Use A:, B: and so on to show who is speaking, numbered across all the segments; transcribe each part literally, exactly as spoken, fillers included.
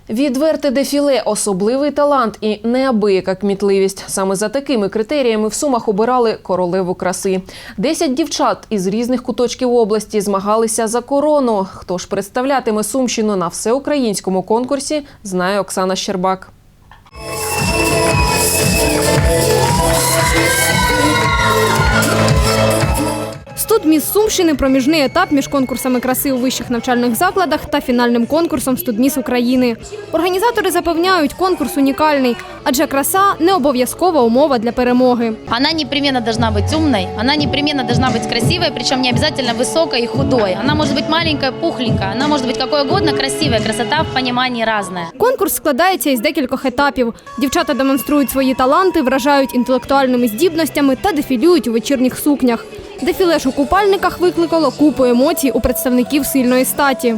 A: Відверте дефіле, особливий талант і неабияка кмітливість. Саме за такими критеріями в Сумах обирали королеву краси. Десять дівчат із різних куточків області змагалися за корону. Хто ж представлятиме Сумщину на всеукраїнському конкурсі, знає Оксана Щербак.
B: Студміс Сумщини – проміжний етап між конкурсами краси у вищих навчальних закладах та фінальним конкурсом Студміс України. Організатори запевняють, конкурс унікальний, адже краса – не обов'язкова умова для перемоги.
C: Вона непременно должна бути умною, вона непременно должна бути красивою, причому не обов'язково високою і худою. Вона може бути маленькою, пухленькою, вона може бути якою угодно красивою, красота в розумінні різна.
B: Конкурс складається із декількох етапів. Дівчата демонструють свої таланти, вражають інтелектуальними здібностями та дефілюють у вечірніх сукнях. Дефіле ж у купальниках викликало купу емоцій у представників сильної статі.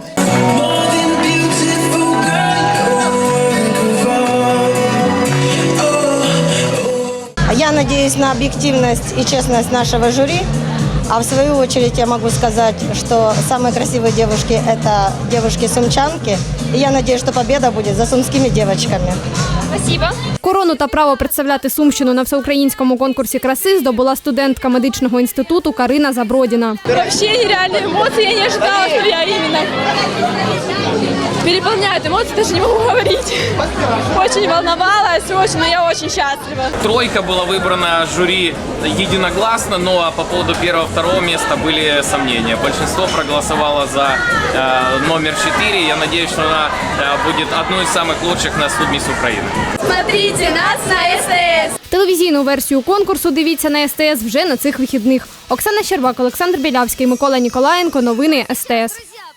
D: Я надеюсь на объективность и честность нашего жюри. А в свою очередь я могу сказать, что самые красивые девушки – это девушки-сумчанки. И я надеюсь, что победа будет за сумскими девочками.
B: Спасибо. Корону та право представляти Сумщину на всеукраїнському конкурсі краси здобула студентка медичного інституту Карина Забродіна.
E: Вообще нереальные эмоции, я не ожидала, что я именно переполняют эмоции, даже не могу говорить. Очень волновалась, очень, но я очень счастлива.
F: Тройка была выбрана жюри единогласно, но по поводу первого-второго места были сомнения. Большинство проголосовало за э, номер четыре. Я надеюсь, что она э, будет одной из самых лучших на Студміс України.
E: Смотрите нас на СТС!
B: Телевізійну версію конкурсу дивіться на ес те ес вже на цих вихідних. Оксана Щербак, Олександр Білявський, Микола Ніколаєнко. Новини ес те ес.